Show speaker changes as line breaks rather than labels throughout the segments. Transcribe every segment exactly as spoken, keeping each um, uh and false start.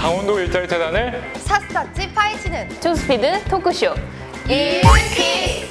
강원도 일자리 재단을
샅샅이 파헤치는
초스피드 토크쇼
일키.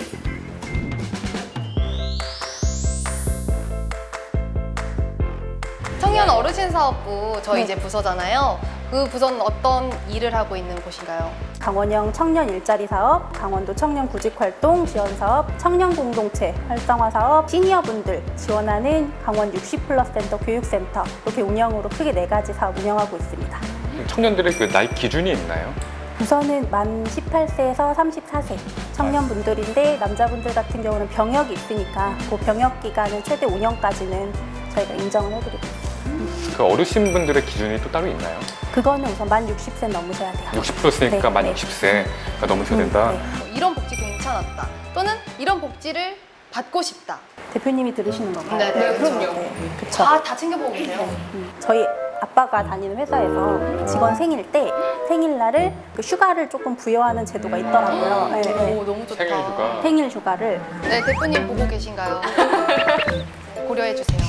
청년 어르신 사업부 저희
네.
이제 부서잖아요. 그 부서는 어떤 일을 하고 있는 곳인가요?
강원형 청년 일자리 사업, 강원도 청년 구직활동 지원 사업, 청년 공동체 활성화 사업, 시니어분들 지원하는 강원 육십 플러스 센터 교육센터 이렇게 운영으로 크게 네 가지 사업 운영하고 있습니다.
청년들의 그 나이 기준이 있나요?
우선은 만 십팔 세에서 삼십사 세 청년분들인데 남자분들 같은 경우는 병역이 있으니까 그 병역 기간은 최대 오 년까지는 저희가 인정을 해드리고 있습니다.
그 어르신분들의 기준이 또 따로 있나요?
그거는 우선 만 육십 세 넘으셔야 돼요.
육십 플러스니까
네,
만
네.
육십 세가 넘으셔야
음,
된다.
네.
뭐 이런 복지 괜찮았다. 또는 이런 복지를 받고 싶다.
대표님이 들으시는 건가요?
네, 네,
그렇죠.
그럼요.
네, 그쵸.
다, 다 챙겨보고 계세요.
음, 저희 아빠가 다니는 회사에서 직원 생일 때 생일날을 그 휴가를 조금 부여하는 제도가 있더라고요. 네, 네.
오, 너무 좋다.
생일 휴가.
생일 휴가를
네, 대표님 보고 계신가요? 고려해 주세요.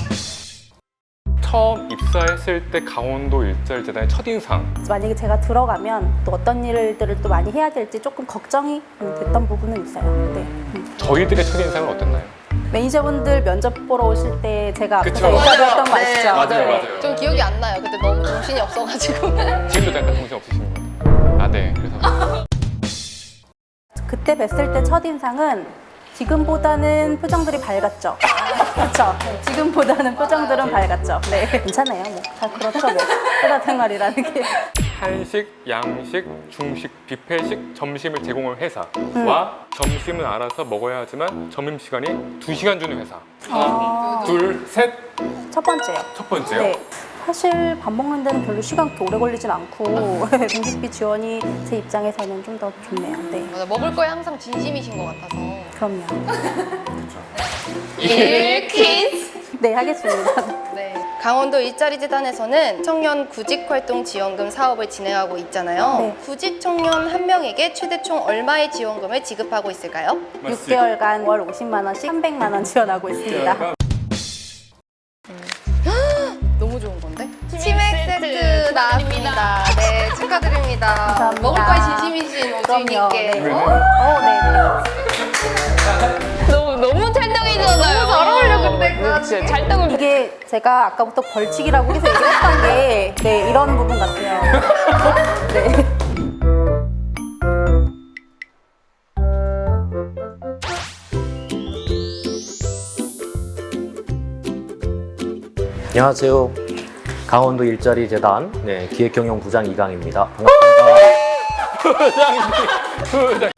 처음 입사했을 때 강원도 일자리 재단의 첫인상.
만약에 제가 들어가면 또 어떤 일들을 또 많이 해야 될지 조금 걱정이 음, 됐던 부분은 있어요. 네. 음.
저희들의 첫인상은 어땠나요?
매니저분들 면접 보러 오실 때 제가
그쵸.
앞에서 인터뷰했던 거
네,
아시죠?
맞아요,
네.
맞아요.
좀 기억이 안 나요. 그때 너무 정신이 없어가지고.
지금도 잠깐 정신 없으신 거예요? 아, 네. 그래서
그때 뵀을 때 첫인상은 지금보다는 표정들이 밝았죠. 그렇죠. 지금보다는 표정들은 밝았죠. 네. 괜찮아요. 뭐. 다 그렇죠. 뭐. 회사 생활이라는 게.
한식, 양식, 중식, 뷔페식 점심을 제공하는 회사와 점심은 알아서 먹어야 하지만 점심시간이 두 시간 주는 회사.
아.
둘, 셋,
첫 번째요.
첫 번째요.
네. 사실 밥 먹는 데는 별로 시간 그렇게 오래 걸리진 않고 공식비 지원이 제 입장에서는 좀 더 좋네요. 네.
맞아, 먹을 거에 항상 진심이신 것 같아서.
그럼요.
일키즈.
네, 하겠습니다.
네. 강원도 일자리 재단에서는 청년 구직활동 지원금 사업을 진행하고 있잖아요.
네.
구직 청년 한 명에게 최대 총 얼마의 지원금을 지급하고 있을까요?
육 개월간 월 오십만 원씩 삼백만 원 지원하고 있습니다.
너무 좋은 건데? 치맥 세트 나왔습니다. 네, 축하드립니다.
감사합니다.
먹을 거에 진심이신
그럼요.
오주인님께.
네.
어?
어, 네, 네.
너무 너무 찰떡이잖아요.
너무 잘 어울려, 근데 그
네, 진짜 찰떡을.
이게 제가 아까부터 벌칙이라고 해서 얘기했던 게 네, 이런 부분 같아요. 네.
안녕하세요. 강원도 일자리 재단 네, 기획경영부장 이강입니다. 반갑습니다.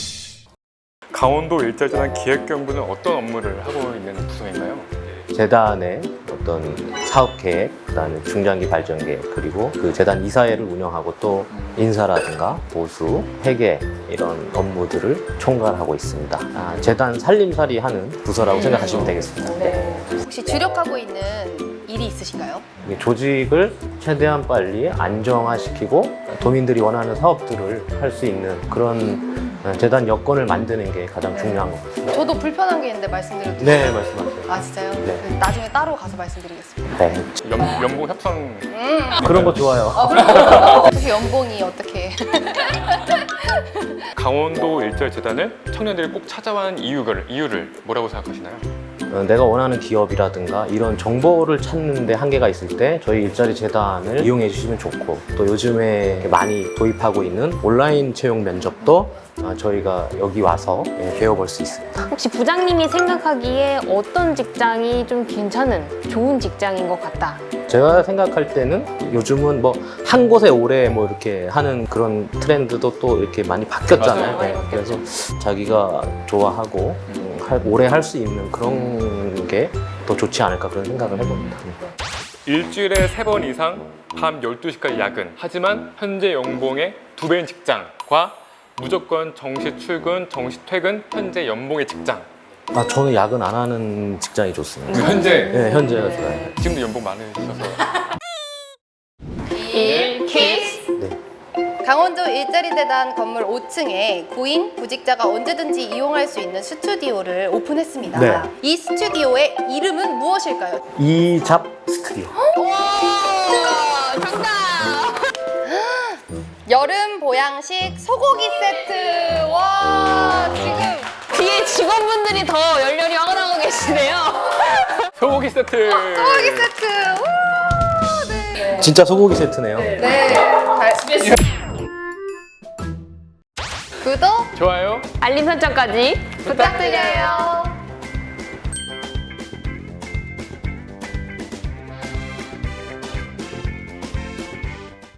강원도 일자리 재단 기획경부는 어떤 업무를 하고 있는 부서인가요?
재단의 어떤 사업 계획, 그다음에 중장기 발전 계획, 그리고 그 재단 이사회를 운영하고 또 인사라든가 보수, 회계 이런 업무들을 총괄하고 있습니다. 아, 재단 살림살이 하는 부서라고 생각하시면 되겠습니다. 네.
혹시 주력하고 있는 일이 있으신가요?
이게 조직을 최대한 빨리 안정화시키고 도민들이 원하는 사업들을 할 수 있는 그런 재단 여건을 만드는 게 가장 중요한 것 같습니다.
저도 불편한 게 있는데 말씀드려도
네,
돼요?
말씀하세요.
아, 진짜요?
네.
그 나중에 따로 가서 말씀드리겠습니다.
네,
연, 연봉 협상.
그런 거 좋아요.
아, 그럼 혹시 연봉이 어떻게?
강원도 일자리 재단을 청년들이 꼭 찾아와 하는 이유를, 이유를 뭐라고 생각하시나요?
어, 내가 원하는 기업이라든가 이런 정보를 찾는데 한계가 있을 때 저희 일자리 재단을 이용해 주시면 좋고, 또 요즘에 많이 도입하고 있는 온라인 채용 면접도 어, 저희가 여기 와서 예, 배워볼 수 있습니다.
혹시 부장님이 생각하기에 어떤 직장이 좀 괜찮은 좋은 직장인 것 같다.
제가 생각할 때는 요즘은 뭐 한 곳에 오래 뭐 이렇게 하는 그런 트렌드도 또 이렇게 많이 바뀌었잖아요.
맞아요.
네, 그래서 자기가 좋아하고 음, 할- 오래 할 수 있는 그런 게 더 좋지 않을까 그런 생각을 해봅니다.
일주일에 세 번 이상 밤 열두 시까지 야근. 하지만 현재 연봉의 두 배인 직장과 무조건 정시 출근, 정시 퇴근, 현재 연봉의 직장.
아, 저는 야근 안 하는 직장이 좋습니다.
현재
네, 현재가 좋아요.
지금도 연봉 많으셔서.
일키즈.
네.
강원도 일자리 재단 건물 오 층에 구인 구직자가 언제든지 이용할 수 있는 스튜디오를 오픈했습니다.
네.
이 스튜디오의 이름은 무엇일까요?
이잡 스튜디오.
와, 정답! 여름 보양식 소고기 세트. 와, 지금
뒤에 직원분들이 더 열렬히 화가 나고 계시네요.
소고기 세트.
소고기 세트. 와, 네.
진짜 소고기 세트네요.
네. 잘... 구독,
좋아요.
알림 설정까지
부탁드려요.